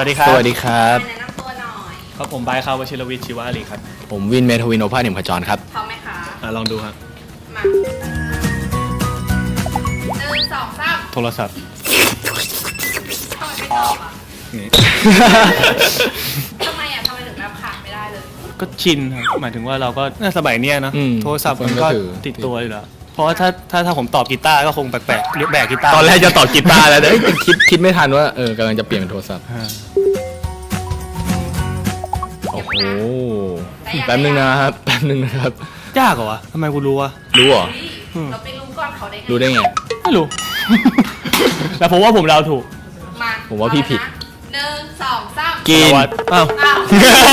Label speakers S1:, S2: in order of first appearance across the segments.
S1: วัสดีครับ
S2: สวัสดีครับ
S3: แนะนำตัวหน่อย
S1: ครับผมไบค์ครับวชิรวิทย์ชีวาลีครับ
S2: ผมวินเมทวินโอภาสเหนี่ยมขจรครับ
S3: พร้อมไหมคะ
S1: ลองดูครับ
S3: มา1 2 3
S1: โทรศัพท์
S3: ทำไมไม่ตอบอ่ะ
S1: นี่
S3: ทำไมถึงแบบขาดไม่ได้เลย
S1: ก็ชินครับหมายถึงว่าเราก็น่าสมัยเนี้ยนะ
S2: อืม
S1: โทรศัพท์มันก็
S2: ถือ
S1: ติดตัวอยู่แล้วเพราะว่าถ้าผมตอบกีตาร์ก็คงแปลกๆเรียกแบกกีตาร์
S2: ตอนแรกจะตอบกีตาร์แล้วแต่คิดไม่ทันว่ากำลังจะเปลี่ยนเป็นโทรศัพท์
S1: อ่า
S2: โอ้โหแป๊บนึงนะครับ
S1: ยากเหรอวะทำไมกูรู้วะ
S2: รู้เหรอ
S3: เราไปรู้ก่อนเขาได้ไง
S2: รู้ได้ไง
S1: ไม่รู้ แต่ผมว่าผมเดาถูก
S3: มา
S2: ผมว่าพี่ผิด
S3: 1 2 3
S2: กิน
S1: สวัสดีอ้าว
S3: อ้าว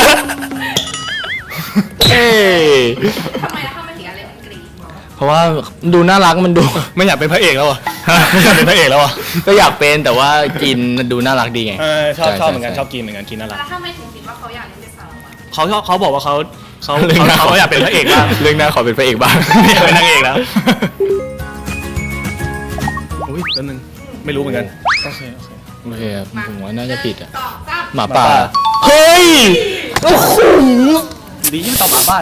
S2: เอ้ย
S3: ทำไมถึงอะไรมันกรี๊ด
S2: เพราะว่าดูน่ารักมันดู
S1: ไม่อยากเป็นพระเอกแล้วอ่ะ ไม่อยากเป็นพระเอกแล้วอ่ะ
S2: ก็อยากเป็นแต่ว่ากินดูน่ารักดีไง
S1: ชอบ
S2: ใช่
S1: เหมือนกัน
S2: ใช่
S1: ชอบกินเหมือนกันกินน่ารัก
S3: แล้วทำไมถึงคิดว่าเขาอยากเล่นเป็นสาวอ่ะ
S1: เขาบอกว่าเขา
S2: เรื่องหน้า
S1: อยากเป็นพระเอกบ้าง
S2: เรื่องหน้าขอเป็นพระเอกบ้าง
S1: ไม่อยากเป็นนางเอกแล้วอุ้ยแป๊บนึงไม่รู้เหมือนกันโอเค
S2: โอเคครับผมว่าน่าจะผิดอ่ะ
S3: 1 2 3
S2: หมาป่าเฮ้ยโอ้โห
S1: ดีที่ไม่ตอบหมาบ้าน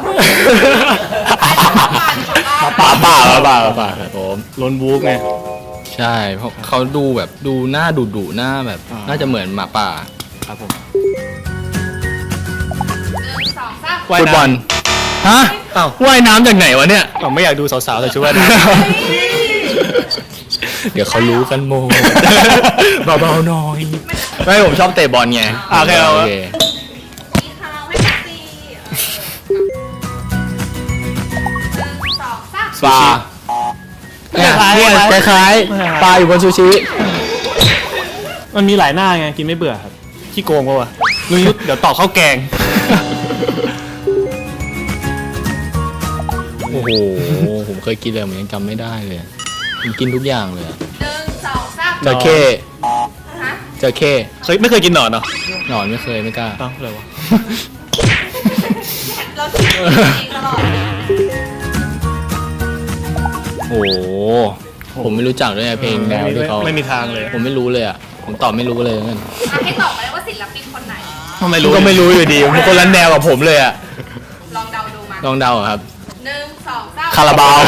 S2: หมาป่าครับผม
S1: โลนวูฟไง
S2: ใช่เพราะเขาดูแบบดูหน้าดุหน้าแบบ
S1: อ่า
S2: น่าจะเหมือนหมาป่า
S1: ครับผม
S3: 1 2 3
S1: ว่าย
S2: ฟุต
S1: น้ำ
S2: บอลฮะ
S1: อ้าว
S2: ว่ายน้ำจากไหนวะเนี่ย
S1: ผมไม่อยากดูสาวๆแต่ช่วยนะ
S2: เดี๋ยวเขารู้กันโมเบาๆหน่อยไม่ผมชอบเตะบอลไง
S1: โอเค
S3: มีข่าวให้ฟังสิ1 2 3
S2: ปลาเนี่ยคล้ายๆปลาอยู่บนซูชิ
S1: มันมีหลายหน้าไงกินไม่เบื่อครับขี้โกงปะวะลุงยุทธเดี๋ยวตอบข้าวแกง
S2: โอ้โหผมเคยกินเลยผมยังจำไม่ได้เลยผมกินทุกอย่างเลย
S3: 1 2 3
S2: จระเข้
S3: ฮะ
S2: จระเข้
S1: ไม่เคยกินหนอนเหรอ
S2: หนอนไม่เคยไม่กล้า
S1: เอ้าอะไรวะ
S3: เราคิดเองตลอด
S2: โอ้โหผมไม่รู้จักด้วยเพลงแนวที่เขา
S1: ไม่มีทางเลย
S2: ผมไม่รู้เลยอ่ะผมตอบไม่รู้เลยนั่น
S3: ให้ตอบมาเลยว่าศิลปินคนไหน
S1: ทำไมรู้
S2: ก็ไม่รู้อยู่ดีมันคนละแนวกับผมเลยอ่ะ
S3: ลองเดาดูมา
S2: ลองเดาอะครับ
S3: 1 2 3
S2: คาราบาว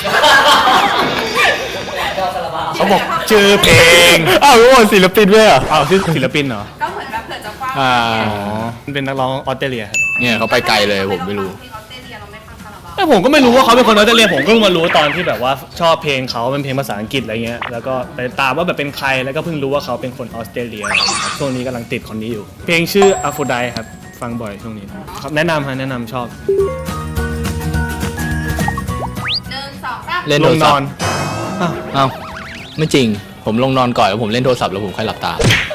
S1: เขาบอกชื่อเพลง
S2: อ้าวรู้ว่าศิลปินด้วยอ่ะ
S1: อ้าวชื่อศิลปินเหรอ
S3: ก็เหมือนแบบเผื่อจะกว้าง
S2: อ่า
S1: อ๋อมันเป็นนักร้องออสเตรเลียครับ
S2: เนี่ยเขาไปไกลเลยผมไม่รู้
S3: เพลงออสเตรเลียเราไม่ฟังคาราบาว
S1: แต่ผมก็ไม่รู้ว่าเขาเป็นคนออสเตรเลียผมก็เพิ่งมารู้ตอนที่แบบว่าชอบเพลงเขาเป็นเพลงภาษาอังกฤษอะไรเงี้ยแล้วก็ไปตามว่าแบบเป็นใครแล้วก็เพิ่งรู้ว่าเขาเป็นคนออสเตรเลียครับช่วงนี้กำลังติดคนนี้อยู่ เพลงชื่อ Aphrodite ครับฟังบ่อยช่วงนี้ครับแนะนำชอบ
S3: 1 2 3
S2: เล่น
S1: ล
S2: โทรง
S1: น
S2: ศั
S1: อ
S2: พ
S1: น
S2: ท์
S1: อ้าว
S2: อ้าวไม่จริงผมลงนอนก่อนแล้วผมเล่นโทรศัพท์แล้วผมค่อยหลับตา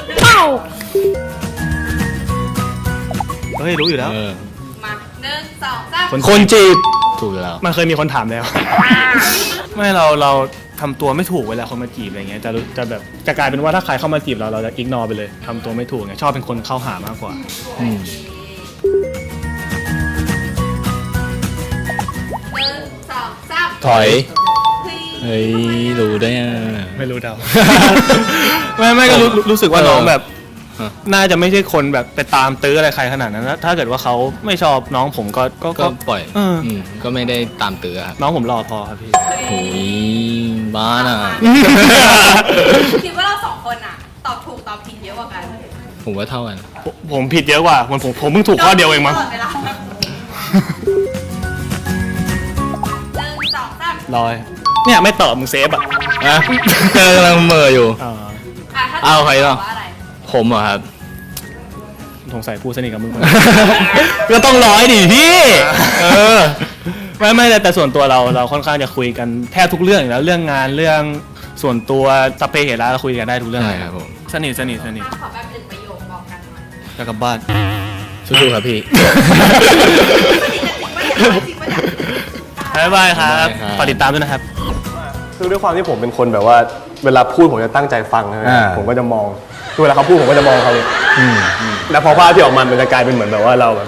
S1: เฮ้ยรู้อยู่แล้ว
S2: เออ
S3: มา1 2 3
S2: คนจีบถูกอยู่แล้ว
S1: มันเคยมีคนถามแล้ว ไม่เราทำตัวไม่ถูกเวลาคนมาจีบอะไรเงี้ยจะแบบจะกลายเป็นว่าถ้าใครเข้ามาจีบเราจะอิกนอไปเลยทำตัวไม่ถูกไงชอบเป็นคนเข้าหามากกว่า
S2: อืม
S3: 1 2 3
S2: ถอยเฮ้ยรู้ได้ยัง
S1: ไม่รู้เดา ไม่ก็รู้สึกว่าน้องแบบ
S2: ฮะ
S1: น่าจะไม่ใช่คนแบบไปตามตื้ออะไรใครขนาดนั้นนะถ้าเกิดว่าเขาไม่ชอบน้องผมก็
S2: ก็ปล่อย
S1: เออ
S2: ก็ไม่ได้ตามเตือครับ
S1: น้องผมรอพอครับพี่
S2: โอ้ยบ้าน่ะ
S3: คิดว่าเรา2คนอ่ะ ตอบถูกตอบผิดเยอะกว่ากัน
S2: ผมว่าเท่ากัน
S1: ผมผิดเยอะกว่าผมเพิ่งถูกข้อเดียวเองมั้ง
S3: ตลดเวลา1 2 3
S1: รอยเนี่ยไม่ตอบมึงเซฟอ่ะ
S2: นะเจอกำลังเหม่ออยู่
S1: อ่า
S3: ถ้า
S2: เอาใครต่อ
S3: ว่าอะไร
S2: ผมเหรอครับ
S1: สงสัยพูดสนิทกับมึง
S2: ก็ต้องร้อยดิพี่ เออ
S1: ไม่แต่ส่วนตัวเราค่อนข้างจะคุยกันแทบทุกเรื่องอยู่แล้วเรื่องงานเรื่องส่วนตัวสัพเพเหระเราคุยกันได้ทุกเรื่อง
S2: ใช่ครับผม
S1: สนิท
S3: ขอแบบ1 ประโยคบอกกันหน่อย
S1: จะกลับบ้าน
S2: สู้ๆครับพี่
S1: บ๊ายบายครับ
S2: บ๊ายบายครับ
S1: ฝากติดตามด้วยนะครับ
S4: คือด้วยความที่ผมเป็นคนแบบว่าเวลาพูดผมจะตั้งใจฟังนะ
S2: อ่า
S4: ผมก็จะมองคือเวลาเขาพูดผมก็จะมองเขาเลยแล้วพอภาพที่ออกมามันจะกลายเป็นเหมือนแบบว่าเราแบบ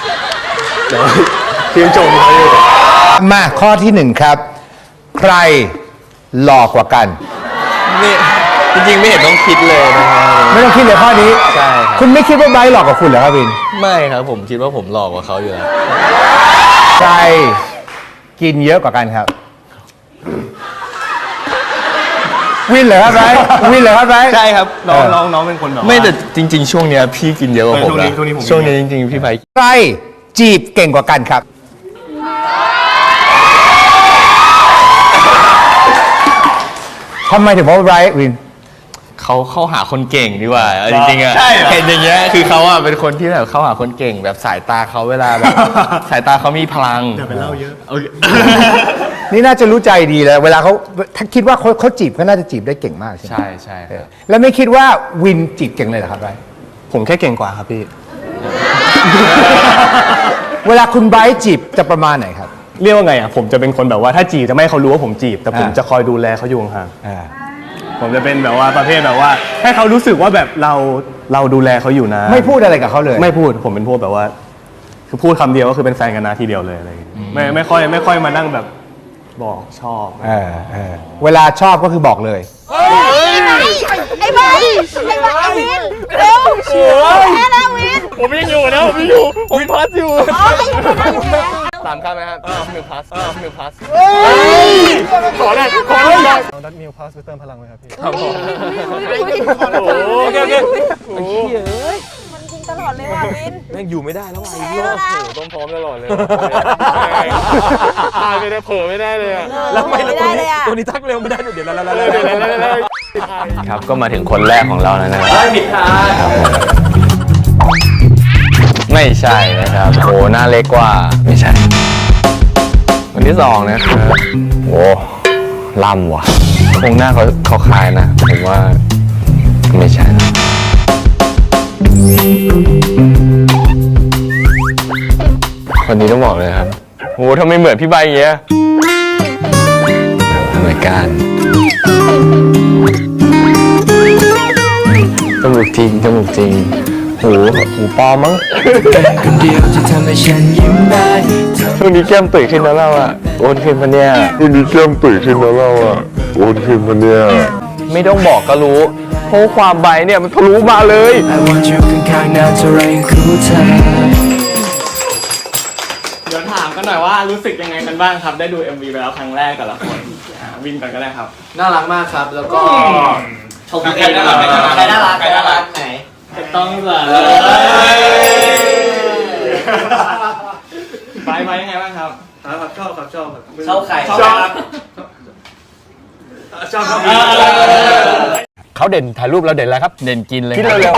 S4: ชื่นชมเขาอยู่
S5: มาข้อที่หนึ่งครับ ใครหล่อกว่ากัน
S2: นี่จริงๆไม่เห็นต้องคิดเลยนะครับ
S5: ไม่ต้องคิดเลยข้อนี้
S2: ใช่ครับ
S5: คุณไม่คิดว่าไบร์ทหลอกกับคุณเหรอครับวิน
S2: ไม่ครับผมคิดว่าผมหลอกกว่าเขาอยู่แล้ว
S5: ใครกินเยอะกว่ากันครับ วินเหรอครับไบร์ทวินเหรอครับไบร์ท
S4: ใช่ครับน้องเป็นคนแบบว่า
S2: ไม่แต่จริง ๆ ช่วงเนี้ยพี่กินเยอะกว่าผมนะ
S4: ช่วงนี้ผม
S2: ช่วงนี้จริงๆพี่ไบค์
S5: ใครจีบเก่งกว่ากันครับทำไมถึงว่าไบร์ทวิน
S2: เขาเข้าหาคนเก่งดีกว่าเอาจริงๆอะ
S4: ใช่เหรอ
S2: เห็นอย่างเงี้ยคือเขาอะเป็นคนที่แบบเข้าหาคนเก่งแบบสายตาเขาเวลาแบบ สายตาเขามีพลัง
S4: อย่าไปเล่าเยอะ
S5: นี่น่าจะรู้ใจดีเลยเวลาเขาถ้าคิดว่าเขาจีบก็น่าจะจีบได้เก่งมากใช่ไหม
S2: ใช่ครับ
S5: แล้วไม่คิดว่าวินจีบเก่งเลยเหรอครับไบร์ท
S4: ผมแค่เก่งกว่าครับพี่
S5: เวลาคุณไบร์ทจีบจะประมาณไหนครับ
S4: เรียกว่าไงอ่ะผมจะเป็นคนแบบว่าถ้าจีบจะไม่ให้เขารู้ว่าผมจีบ แต่ผม
S5: อ่า
S4: จะคอยดูแลเขาอยู่ห่าง
S5: อ่า
S4: ๆผมจะเป็นแบบว่าประเภทแบบว่าให้เขารู้สึกว่าแบบเราดูแลเขาอยู่นะ
S5: ไม่พูดอะไรกับเขาเลย
S4: ไม่พูดผมเป็นพวกแบบว่า คือพูดคำเดียวก็คือเป็นแฟนกันนะทีเดียวเลยอะไรอย่างเงี้ยไม่ค่อยมานั่งแบบบอกชอบ
S5: เวลาชอบก็คือบอกเลย
S3: ไอ้ใบวินเร็วแค่แล้ววิน
S2: ผมยังอยู่นะผมอยู่ผมพัสอยู่
S3: อ๋อไม่อยู่แล้วอยู่แล้ว
S2: สามคำไหมครับหนึ่งพัสหนึ่งพัส
S4: ขอได้
S6: เอาดัตมิลพาสไปเติมพลังเลยครับพี่
S2: ครับผม
S4: โอเค
S3: มันจริงตลอดเลยว่ะวิน
S2: แม่งอยู่ไม่ได้แล้วว่ะ
S3: แพ้แล้วนะ
S2: ต้องพร้อมตลอดเลยตายไปได้เผลอไม่ได้เลยอะ
S3: แล้วไม่ได้เลยอ่ะ
S6: ตัวนี้ทักเร็วไม่ได้เดี๋ยว
S2: ครับก็มาถึงคนแรกของเราแล้วนะครับผิดทางไม่ใช่นะครับโหหน้าเล็กกว่าไม่ใช่คนที่สองนะครับโหล่ำว่ะคงหน้าเขาคล้ายนะผมว่าไม่ใช่นะคนนี้ต้องบอกเลยครับโหทำไมเหมือนพี่ใบเงี้ยเหมือนกันจมูกจริงจมูกจริงหูปลอมมั้งช่วงนี้แก้มตุ๋ยขึ้นแล้วเราอะโอนขึ้นปะเนี่ยช่วงนี้แก้มตุ๋ยขึ้นแล้วเราอะโอนขึ้นปะเนี่ยไม่ต้องบอกก็รู้เพราะความใบเนี่ยมันทะลุมาเลย
S1: เดี๋ยวถามกันหน่อยว่ารู้สึกยังไงกันบ้างครับ ได้ดู MV ไปแล้วครั้งแรกแต่ละคนวินก่อนก็ได้ครับ
S2: น่ารักมากครับแล้วก็
S1: ชมใครน่ารักใครน่ารักไหนต้องเลยไปยังไงบ้างครับชอบใครชอบ
S5: เขาเด่นถ่ายรูปเราเด่นแล้วครับ
S2: เด่นกินเลย
S5: คิดเร็ว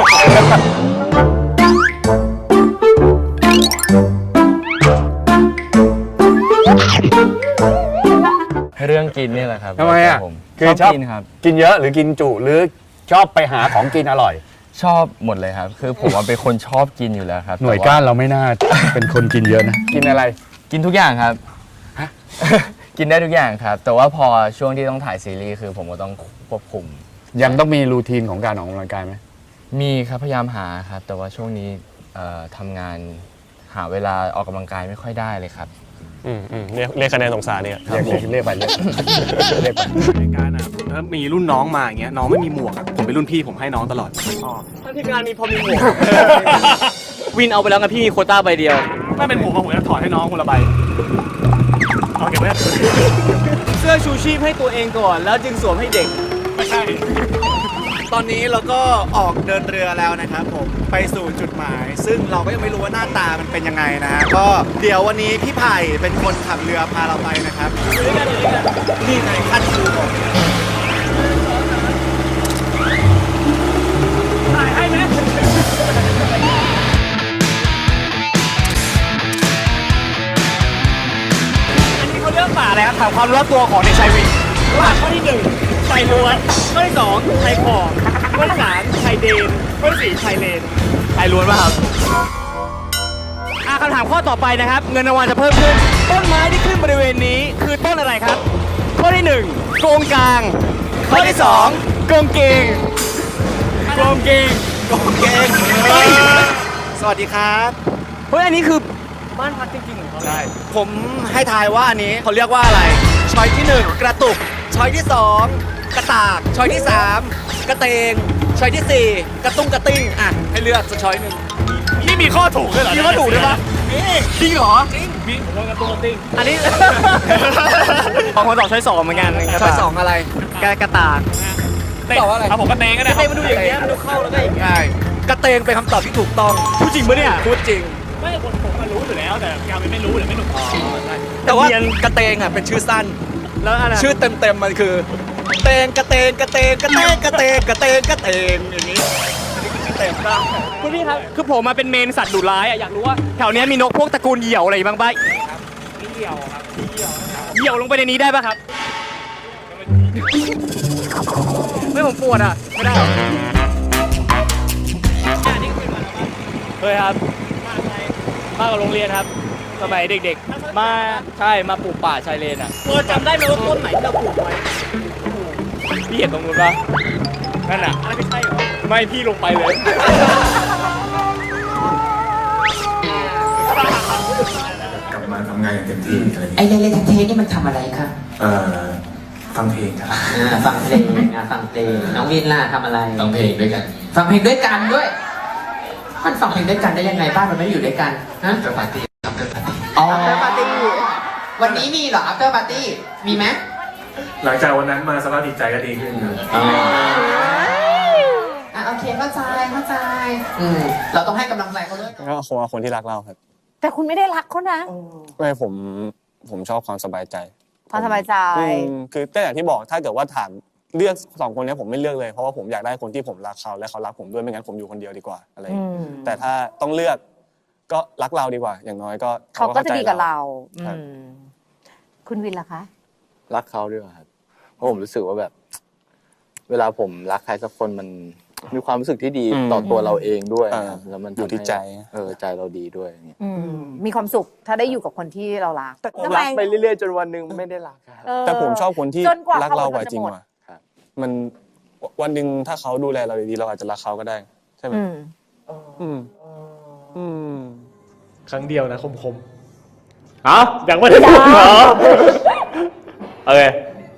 S2: เรื่องกินนี่แหละครับ
S5: ทำไมอ่ะ
S2: ผม
S5: คือช
S2: ช
S5: อ
S2: อ
S5: บบ
S2: กินครับ
S5: กินเยอะหรือกินจุหรือชอบไปหาของกินอร่อย
S2: ชอบหมดเลยครับ คือผมว่าเป็นคนชอบกินอยู่แล้วครับ
S6: หน่วย
S2: แต่
S6: ก้านเราไม่น่า เป็นคนกินเยอะนะ
S5: กินอะไร
S2: กินทุกอย่างครับ กินได้ทุกอย่างครับ แต่ว่าพอช่วงที่ต้องถ่ายซีรีส์คือผมก็ต้องควบคุม
S6: ยังต้องมีรูทีนของการออกกำลังกายไหม
S2: มีครับพยายามหาครับ แต่ว่าช่วงนี้ทำงานหาเวลาออกกำลังกายไม่ค่อยได้เลยครับ
S4: เรียกคะแนนสงสารเนี่ย
S6: เรียกไปเรียกไป
S1: ในการอ่ะถ้ามีรุ่นน้องมาอย่างเงี้ยน้องไม่มีหมวกอะผมเป็นรุ่นพี่ผมให้น้องตลอดถ้าที่งานมีพอมีหมวก
S7: วินเอาไปแล้วไงพี่มีโควต้าใบเดียว
S1: ไม่เป็นผมจะถอดให้น้องคนละใบเอาเก็บไว้
S7: เสื้อชูชีพให้ตัวเองก่อน แล้วจึงสวมให้เด็ก
S1: ไม่ใช่
S7: ตอนนี้เราก็ออกเดินเรือแล้วนะครับผมไปสู่จุดหมาย ซึ่งเราก็ยังไม่รู้ว่าหน้าตามันเป็นยังไงนะฮะก็เดี๋ยววันนี้พี่ไผ่เป็นคนขับเรือพาเราไปนะครับนี่ไงขั้นครูผม
S1: ถ่ายให้ไหมอันนี้เขาเรื่องป่าอะไรครับถามความรู้ตัวของเด็กชายวินว่าข้อที่1ชายล้วนข้อที่2ชายขอบข้อที่3ชายเดนข้อที่4ชายเลนชายล้วนป่ะครับคำถามข้อต่อไปนะครับ เงินรางวัลจะเพิ่มขึ้น ต้นไม้ที่ขึ้นบริเวณนี้คือต้นอะไรครับ ข้อที่1โกงกลาง ข้อที่2โกงเกงโกงเกง
S7: เฮ้ยสวัสดีครับ
S1: เฮ้ยอันนี้คือบ้านพักจริงๆของเขาใช่
S7: ผมให้ทายว่าอันนี้เขาเรียกว่าอะไร ช้อยที่ 1 กระตุก ช้อยที่ 2 กระตากช้อยที่ 3 กระเตงช้อยที่ 4 กระตุ้งกระติ้งอ่ะให้เลือกสักช้อยหนึ่ง
S1: นี่มีข้อถูกด้วยเหรอ
S7: มีข้อถูกด้วยปะจริงเหรอจริง
S1: มีผมว่ากระตุ้งกระติ้ง
S7: อันนี้
S1: ของคนตอบช้อย2เหมือนกัน
S7: ช้อยสองอะไร
S1: กระตาก
S7: ตอบว่าอะไร
S1: เอาผมกระเตงก็ได้
S7: กระเตงมันดูอย่างเงี้ยมันดูเข้าแล้วก็อย่างเงี้ยใช่กระเตงเป็นคำตอบที่ถูกต้อง
S1: พูดจริงปะเนี่ย
S7: พูดจริง
S1: ไม่ผมมารู้อยู่แล้วแต่กาไม่รู้หรือไม่หนุก
S7: แต่ว่ากระเตงอ่ะเป็นชื่อสั้น
S1: แล้วอะไร
S7: ชื่อเต็มๆมันคือเตงกระเตงกระเตงกระเตงกระเตงกระเตงกระเตงอย่างนี้ชื่อเต็มป่ะ
S1: คุณพี่ครับคือผมมาเป็นเมนสัตว์ดุร้ายอ่ะอยากรู้ว่าแถวเนี้ยมีนกพวกตระกูลเหยี่ยวอะไรบ้างป่ะเหยี่ยวครับเหยี่ยวลงไปในนี้ได้ป่ะครับไม่ผมปวดอ่ะไม่ได้เคยครับมากับโรงเรียนครับสมัยเด็กๆมาใช่มาปลูกป่าชายเลนอ่ะจำได้ไหมว่าต้นไหนที่เราปลูกไว้พี่เห็นตรงนู้นป่ะนั่นอ่ะไม่ใช่หรอไม่พี่ลงไปเลย
S8: กลับมาทำงานอย่างเต็มที่อะไรอย่าง
S9: ไอ้
S8: เงี้ย
S9: เล่นเทนี่มันทำอะไรคะ
S8: ฟังเพลงครับ
S9: ฟังเพลงฟังเพลงน้องวินล่ะทำอะไร
S8: ฟังเพลงด้วยกัน
S9: ฟังเพลงด้วยกันด้วย มันฟังเพลงด้วยกันได้ยังไงบ้านมันไม่ได้อยู่ด้วยกันฮะ
S8: after party after party
S9: อ๋อ
S3: After party
S9: วันนี้มีเหรอ after party มีไหม
S4: หลังจากวันนั้นมาสภาพจิตใจก็ดีขึ้นครับ
S9: โอเคเข้าใจเราต้องให้กำลังใจเขาด้วย
S2: ก็คงเอาคนที่รักเราครับ
S3: แต่คุณไม่ได้รักเขานะ
S2: ไม่ผมชอบความสบายใจ
S3: ความสบายใจ
S2: คือก็อย่างที่บอกถ้าเกิดว่าถามเลือก2คนนี้ผมไม่เลือกเลยเพราะว่าผมอยากได้คนที่ผมรักเขาและเขารักผมด้วยไม่งั้นผมอยู่คนเดียวดีกว่าอะไรอย่างเงี้ยแต่ถ้าต้องเลือกก็รักเราดีกว่า อย่างน้อยก็
S3: เขาก็จะดีกับเรา
S2: ครับ
S3: คุณวินล่ะคะ
S10: รักเขาด้วยครับเพราะผมรู้สึกว่าแบบ เวลาผมรักใครสักคนมันมีความรู้สึกที่ดีต่อตัวเราเองด้วยครับแล้วมัน
S2: อยู่ที่ใจ
S10: ใจเราดีด้วยอย่างเงี้ย
S3: มีความสุขถ้าได้อยู่กับคนที่เรารัก
S10: รักไปเรื่อยๆจนวันหนึ่งไม่ได้รักครับ
S2: แต่ผมชอบคนที่
S3: จนกว่า
S2: รักเรากว่า
S3: เขาจะ
S2: จริง
S3: หมด
S2: ว่ะมันวันหนึ่งถ้าเขาดูแลเราดีๆเราอาจจะรักเขาก็ได้ใช่ไหม
S1: ครั้งเดียวนะคมๆยังไม่ได้พูดเหรอโอเค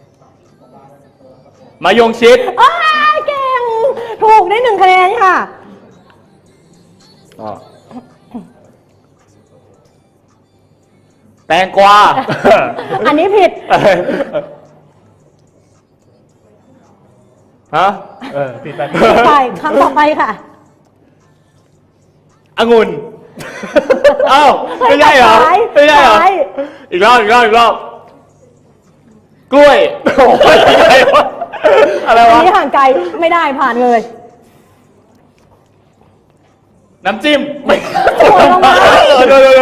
S1: มายงชิด
S3: เก่ง ถูกได้1 คะแนนค่ะ
S1: แตงกวา
S3: อันนี้ผิด
S1: ฮะผิดไป
S3: ไปคำต่อไปค่ะ
S1: องุ่นเอ้าไม่ใช่เหรอไม่ใช่เหรออีกรอบกล้วยโอ้ยอะไรวะ
S3: อันนี้ห่างไกลไม่ได้ผ่านเลย
S1: น้ำจิ้มไม่
S3: สวยมาก
S1: เดี๋ยว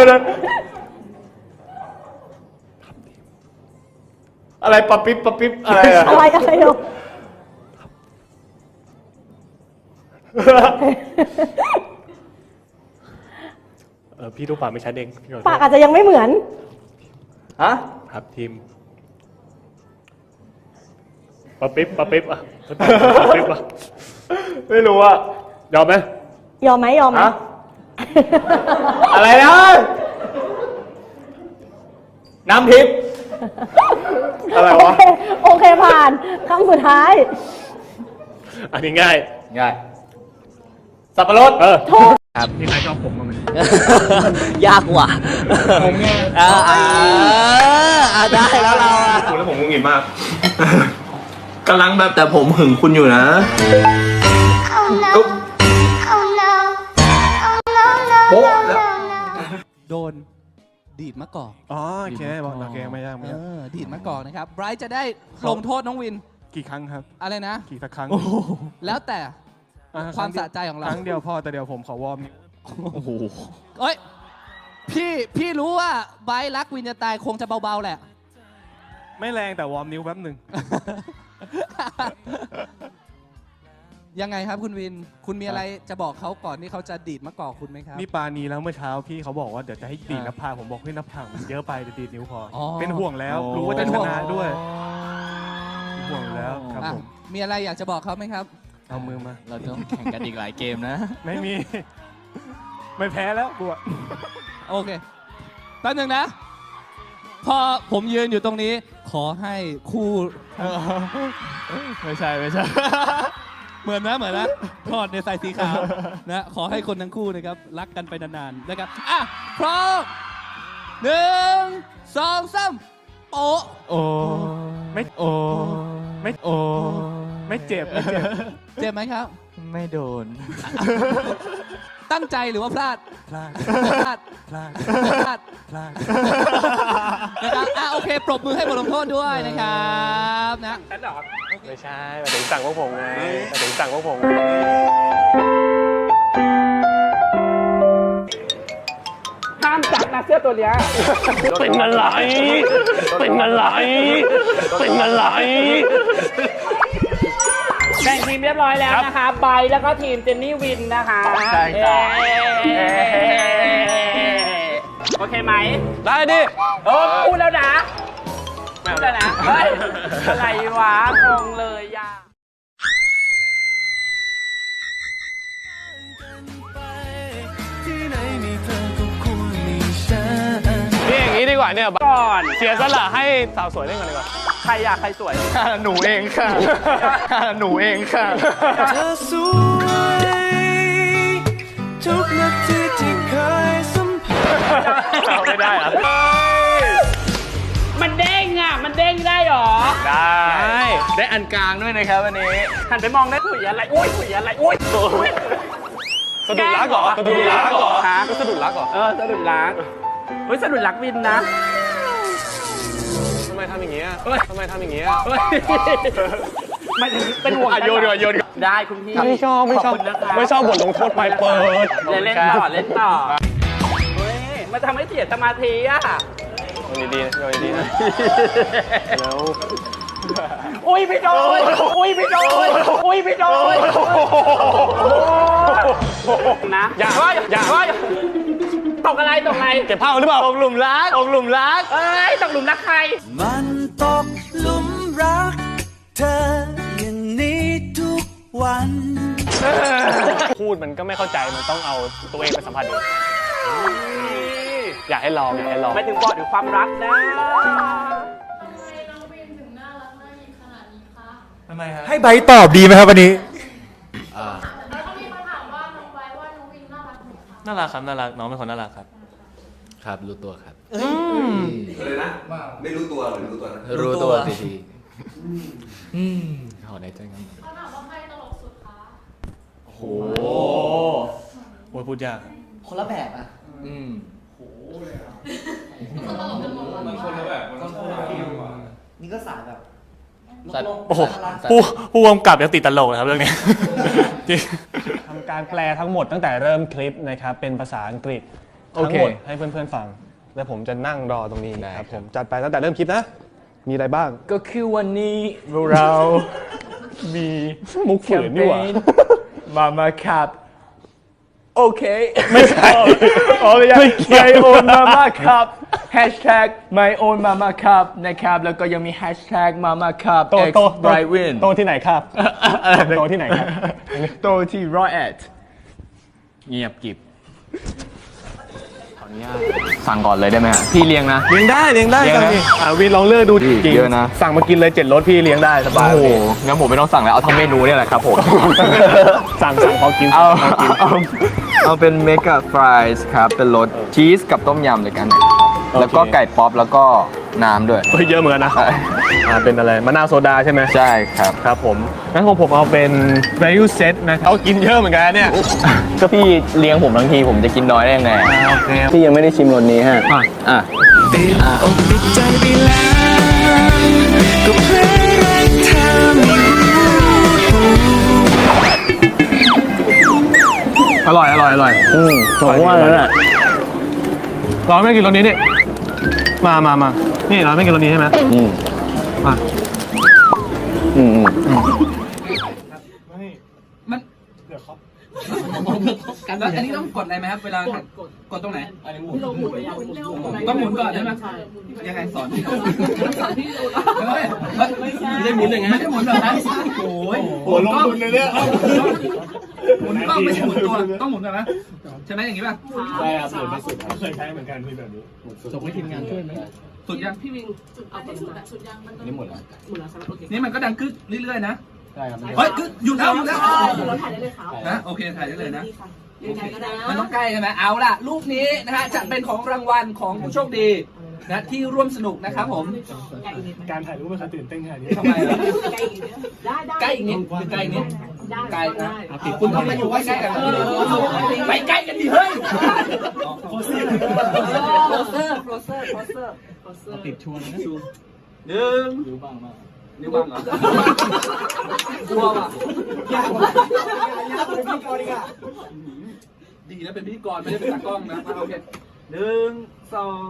S1: อะไรปะปิ๊บอะไรอะ
S3: อะไรเนาะ
S1: พี่ทุกปากไม่ชัดเอง
S3: ปากอาจจะยังไม่เหมือน
S1: ฮะครับทีมปะปิ๊บอ่ะปะปิ๊บอ่ะไม่รู้อ่ะยอมไหม
S3: ยอมไหม
S1: ฮะอะไรนะน้ำทิพย์อะไรวะ
S3: โอเคผ่านคำสุดท้าย
S1: อันนี้ง่ายสับปะรดครับมีใครชอบผมบ้างไหม
S9: ยากว่ะผมไงได้แล้วเรา
S4: คุณแล้วผมงุนงิดมากกำลังแบบแต่ผมหึงคุณอยู่นะ โป๊ะแล้ว
S11: โดนดีดมะกอก
S4: โอเคบอกโอเคไม่ยาก
S11: ดีดมะกอกนะครับไบรท์จะได้ลงโทษน้องวิน
S4: กี่ครั้งครับ
S11: อะไรนะ
S4: กี่สักครั้ง
S11: แล้วแต่ความสะใจของเรา
S4: ครั้งเดียวพอแต่เดี๋ยวผมขอวอร์ม
S11: เอ้ยพี่รู้ว่าไบรท์รักวินจะตายคงจะเบาๆแหละ
S4: ไม่แรงแต่วอร์มนิ้วแป๊บหนึ่ง
S11: ยังไงครับคุณวิน คุณมีอะไรจะบอกเขาก่อนที่เขาจะดีดมะกอกคุณไหมครับ
S4: นี่ปานีแล้วเมื่อเช้าพี่เขาบอกว่าเดี๋ยวจะให้ดีดหน้าผากผมบอกให้ยหน้าผากมันเยอะไปเดี๋ยวดีดนิ้วพอ เป็นห่วงแล้วรู้ว่าจะชนะด้วยเป็นห่วงอยู่แล้วครับผม
S11: มีอะไรอยากจะบอกเขาไหมครับ
S4: เอามือมา
S10: เราต้องแข่งกันอีกหลายเกมนะ
S4: ไม่มี ไม่แพ้แล้วกูอะ
S11: โอเคแป๊บนึงนะ พอผมยืนอยู่ตรงนี้ขอให้คู่
S1: ไม่ใช่
S11: เหมือนนะทอดในใส่สีขาวนะขอให้คนทั้งคู่นะครับรักกันไปนานๆนะครับอ่ะพร้อม1 2 3โป๊ะ
S4: โอ้ไม่เจ็บ
S11: เจ็บไหมครับ
S10: ไม่โดน
S11: ตั้งใจหรือว่าพลาด
S4: พลาด
S11: พลาดนะครับโอเคปรบมือให้บทลงโทษด้วยนะครับนะ
S1: ไม่ใช่มาถึงสั่งพวกผมไงมาถึงสั่งพวกผม
S9: ห้ามจับนะเสื้อตัวเนี้ย
S1: เป็นอะไร
S9: แบ่งทีมเรียบร้อยแล้วนะคะไบร์ทแล้วก็ทีมเจนนี่วินนะคะ
S1: ใช่ครับ
S9: โอเคไหม
S1: ได้ดิ
S9: พูดแล้วนะพูดแล้วนะเฮ้ยอะไรวะงงเลยย่า
S1: นี่อย่างนี้ดีกว่าเนี่ย
S9: ก่อน
S1: เสียสละให้สาวสวยเล่นกันดีกว่า
S9: ใครอยากใครสวย
S1: หนูเองค่ะ หนูเองค่ะ
S12: เธอสวยทุกนาทีที่เคยสัมผัส
S1: ไม่ได้เหรอ
S9: มันเด้งอ่ะ มันเด้งได้หรอ
S1: ได้อันกลางด้วยนะครับวันนี้
S9: หันไปมองได้คุยอะไรอุ้ยคุยอะไรอุ้ย
S1: สะดุดรักเหรอ
S9: ฮะ
S1: สะดุดรักเหรอ
S9: สะดุดรักเฮ้ยสะดุดรักวินนะ
S1: ทำไมทำอย่างเงี้ย ทำไมทำอย่างเงี้ย
S9: มันเป็นห่วง
S1: โยน
S9: ได้คุณพี่
S1: ไม่ชอบ
S9: ขคุณนะคะ
S1: ไม่ชอบบทลงโทษไปเปิด
S9: เล่นต่อเฮ้ยมันทำให้เสียสมาธิอ่ะ
S1: โยนดีๆนะแล้ว
S9: อุ้ยพี่โดนนะอย่าตกอะไร
S1: เก็บผ้าหรือเปล่าตกหลุมรัก
S9: เอ้ยตกหลุมรักใคร
S12: มันตกหลุมรักเธออย่างนี้ทุกวัน
S1: พูดมันก็ไม่เข้าใจ มันต้องเอาตัวเองไปสัมผัสเองอยากให้ลอง
S9: ไม่ถึงบอกถึงความรักนะ
S1: ทำไมครับ
S5: ให้ใบตอบดีไหมครับวันนี้
S1: น่ารักครับ น่ารัก น้องเป็นคนน่ารักครับ
S10: ครับรู้ตัวครับ
S8: เลยนะว่าไม่รู้ตัวหรือรู้ตัวนะ
S10: รู้ตัวทีขอในใจกัน
S1: โอ้โหพูดยาก
S9: คนละแบบอ่ะ นี่ก็สายแบบ
S1: โอ้โหผู้กำกับยังติดตลกนะครับเรื่องนี้ทำการแปลทั้งหมดตั้งแต่เริ่มคลิปนะครับเป็นภาษาอังกฤษทั้งหมดให้เพื่อนๆฟัง แล้วผมจะนั่งรอตรงนี้ครับผมจัดไปตั้งแต่เริ่มคลิปนะ มีอะไรบ้าง
S10: ก็คือวันนี้
S1: เรามีมุกฝืนนี่หว่า
S10: มาครับ โอเค
S1: ไม่ใช่ไม่ใช่
S10: My own mama cup hashtag my own mama cup นะครับแล้วก็ยังมี hashtag mama cup x brightwin
S1: โตที่ไหนครับโตที่ไหนครับ
S10: โตที่ร้อยเอ็ดเงียบกิบขออนุญาตสั่งก่อนเลยได้ไหมพี่เลี้ยงนะ
S1: เลี้ยงได้
S10: เลี้ยงนะ
S1: วินลองเลือกดูจริง
S10: เยอะนะ
S1: สั่งมากินเลย7รสพี่เลี้ยงได้สบาย
S10: โอ้โหงั้นผมไม่ต้องสั่งแล้วเอาทั้งเมนูเนี่ยแหละครับผม
S1: สั่งพอกิน
S10: เอาเป็นเมกะฟรายส์ครับเป็นรสชีสกับต้มยำเลยกัน แล้วก็ไก่ป๊อปแล้วก็น้ำด้วย
S1: เยอะเหมือนกันนะเป็นอะไรมะนาวโซดาใช่ไหม
S10: ใช่ครับ
S1: ครับผมงั้นของผมเอาเป็น value set นะครับเอากินเยอะเหมือนกันเนี่ย
S10: ก็พี่เลี้ยงผมทั้งทีผมจะกินน้อยได้ยังไง
S1: โอเค
S10: พี่ยังไม่ได้ชิมรสนี้ฮะอ่ะ
S12: ติดอกติดใจไปแล้วก็เพราะรักเธอไม่รู้
S1: อร่อยผมว่าแล้วแหละเราไม่กินรสนี้นี่มานี่เราไม่กินรสนี้ใช่ไหมมา
S11: กันแล้วอันนี้ต้องกดอะไรไหมครับเวลากดตรงไหนอันนี้หมุนต้องหมุนก่อนใช่ไหมยังไงสอนที่ดูไม่ได้หมุนอย่างงั้นไม่ได้หมุนแบบนั้นโอ้ยลงทุนเลยเนี่ยหมุนกล้องไม่ใช่หมุนตัวต้องหมุนแบบนั้นใช่ไหมอย่างงี้ป่ะใช่ครับหมุนไม่สุดเคยใช้เหมือนกันที่แบบนี้ส่งให้ทีมงานช่วยไหมสุดยัง
S9: พี่วิงเอาไปสุดยังมัน
S6: นี่หมดแล้ว
S9: หมดแล้วครับโอเค
S11: นี่มันก็ดังกึกเรื่อยๆนะ
S6: ใช่ครับ
S11: เฮ้ยกึกอยู่แล้วอยู่แล้ว
S9: เราถ่ายได้เลยครับ
S11: นะโอเคถ่ายได้เลยนะ
S9: ยังไงก็ได้
S11: มันต้องใกล้ใช่ไหมเอาล่ะรูปนี้นะฮะจะเป็นของรางวัลของผู้โชคดีนะที่ร่วมสนุกนะครับผม
S4: การถ่ายรูปไม่เคยตื่นเต้นขนาดนี้
S11: ทำไมล่ะ
S9: ได้ได้
S11: ใกล้อีกนิดหรือใกล้อีกนิด
S9: ได้
S11: ใกล้นะ
S9: ได้
S11: คุณต้องมาอยู่ใกล้ๆกันไปใกล้กันดิเฮ้ย
S9: โคเซอร์โคเซอร์โคเซอร์โคเซอร์โคเซอร์
S4: ติดชวนนะ
S11: หนึ่งนิ้วบังมากนิ้วบังเหรอกลัวว่ะยากเป็นพิธีกรดีกว่าดีนะเป็นพิธีกรไม่ได้เป็นตากล้องนะโอเคหนึ่งสอง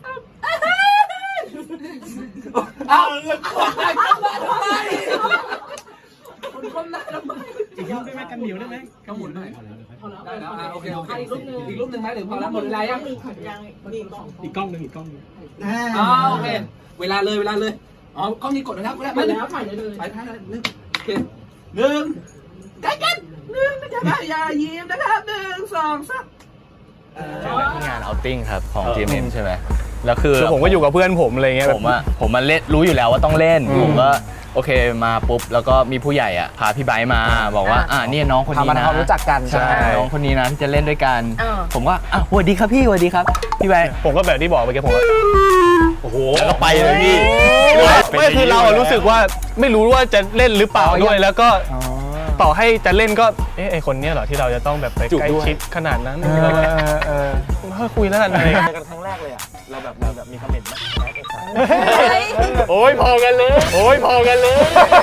S11: เอาเลยคนไหนเข้ามาทำไมคุณคนไหนทำไม
S4: อีกรูปได้ไหมกันเหนียวได้ไหม
S11: ก็หมุนหน่อย
S9: พอแล้ว
S11: ได้แล้วโอเคโอเค
S9: อีกรูปนึง
S11: อีกรูปหนึ่งไหมหรือพอแล้วหมดเวลายัง
S9: ยังนี่ของ
S4: อีกกล้องหนึ่งอีกกล้องหนึ่ง
S11: อ๋อโอเคเวลาเลยอ๋อกล้องนี้กดแล้ว
S9: หมดแล้วถ่ายได้เลย
S11: ไปถ่ายหนึ่งโอเคหนึ่งใกล้กันหนึ่งนะครับอย่ายิ้มนะครับหนึ่งสองสาม
S10: เจอกันที่งานเอาติ้งครับของ GMM ใช่ไหมแล้วคือ
S1: ผมก็อยู่กับเพื่อนผมอะไรเงี้ย
S10: ผมมาเล่นรู้อยู่แล้วว่าต้องเล่นผมก็โอเคมาปุ๊บแล้วก็มีผู้ใหญ่อ่ะพาพี่ไบร์ทมาบอกว่านี่น้องคนนี้นะ
S2: รู้จักกัน
S10: ใช่น้องคนนี้นะที่จะเล่นด้วยกันผมก็สวัสดีครับพี่สวัสดีครับพี่ไบร์ท
S1: ผมก็แบบที่บอกเมื่อกี้ผมก็
S10: โอ้โห
S1: แล้วก็ไปเลยพี่ไม่คือเรารู้สึกว่าไม่รู้ว่าจะเล่นหรือเปล่าด้วยแล้วก็ต่อให้จะเล่นก็ไอคนนี้เหรอที่เราจะต้องแบบไปใกล้ชิดขนาดนั้นถ้าคุยแล้วกันอะไร
S10: กันครั้งแรกเลยอ่ะเราแบบมีคอมเมนต์ไหม
S1: โอ้ยพอกันเลยโอ้ยพอกันเลย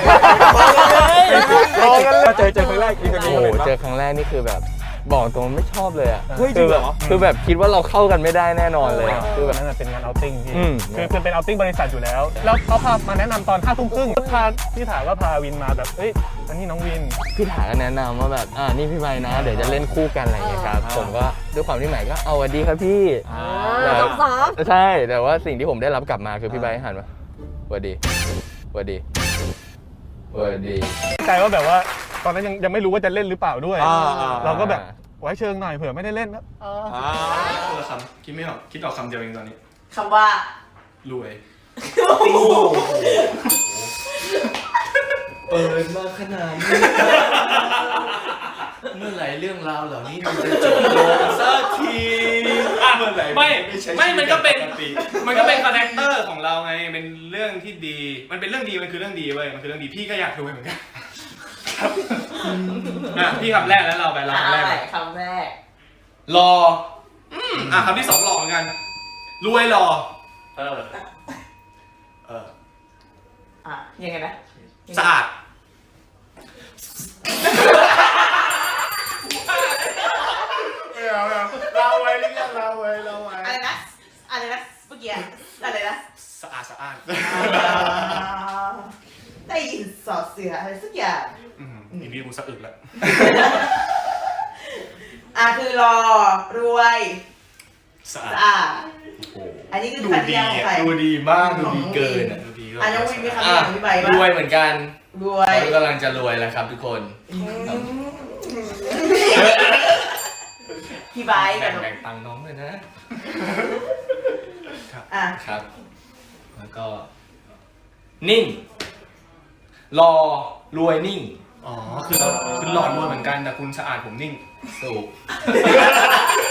S1: พอกันเลย
S10: เจอครั้งแรกโอ้โหเจอครั้งแรกนี่คือแบบบอกตรงไม่ชอบเลยอ่ะคือแบบคิดว่าเราเข้ากันไม่ได้แน่นอนเลยคือแบบ
S1: นั่นเป็นงานเอาติ้งพี่คือเป็นเอาติ้งบริษัทอยู่แล้วแล้วเขาพามาแนะนำตอน5 ทุ่มครึ่งพาพี่ถามว่าพาวินมาแบบเอ้ยอันนี้น้องวิน
S10: พี่ถาก็แนะนำว่าแบบนี่พี่ใบนะเดี๋ยวจะเล่นคู่กันอะไรอย่างเงี้ยครับผมก็ด้วยความที่ใหม่ก็เอาสวัสดีครับพี่
S3: สอง
S10: ใช่แต่ว่าสิ่งที่ผมได้รับกลับมาคือพี่ใบหันมาสวัสดีสวัสดีสวัสดี
S1: ใจว่าแบบว่าตอนนั้นยังไม่รู้ว่าจะเล่นหรือเปล่าด้วยเราก็แบบไว้เชิงหน่อยเผื่อไม่ได้เล่นนะคนละคำคิดไม่ออกคิดออกคำเดียวเองตอนนี้
S3: คำว่าร
S1: วย
S10: เปิดมาขนาดนี้เมื่อไหร่เรื่องราวเหล่านี้มันจะจบลงสักทีเมื่อไหร่
S1: ไม่มันก็เป็นคาแรคเตอร์ของเราไงเป็นเรื่องที่ดีมันเป็นเรื่องดีมันคือเรื่องดีเว้ยมันคือเรื่องดีพี่ก็อยากรวยเหมือนกันพี่คำแรกแล้วเราไปคำแรก
S3: คำแรก
S1: รอคำที่ 2หล่อเหมือนกันรวยหล่อ
S3: ยังไงนะ
S1: สะอาดเราไว้เรื่องเราไว้
S3: อะไรนะเมื่อกี้อะไรนะ
S1: สะอาด
S3: ได้ยินสอดเสืออะไรสักอย่าง
S1: อีนี่กูสะอึกแล้ว
S3: คือรอรวยสะอาดอันนี้คือคำเดียวของใคร
S10: ดูดีมากดูดีเกิน
S1: ดูดี
S3: น้องวินมีคำเดียวของพี่ใบบ้าง
S10: รวยเหมือนกัน
S3: รวย
S10: เรากำลังจะรวยแล้วครับทุกคน
S3: พี่ใบกับ
S10: แบ่งตังค์น้องเลยนะ ครับแล้วก็นิ่งรอรวยนิ่ง
S1: คือหล่อรวยเหมือนกันแต่คุณสะอาดผมนิ่ง
S10: สูบ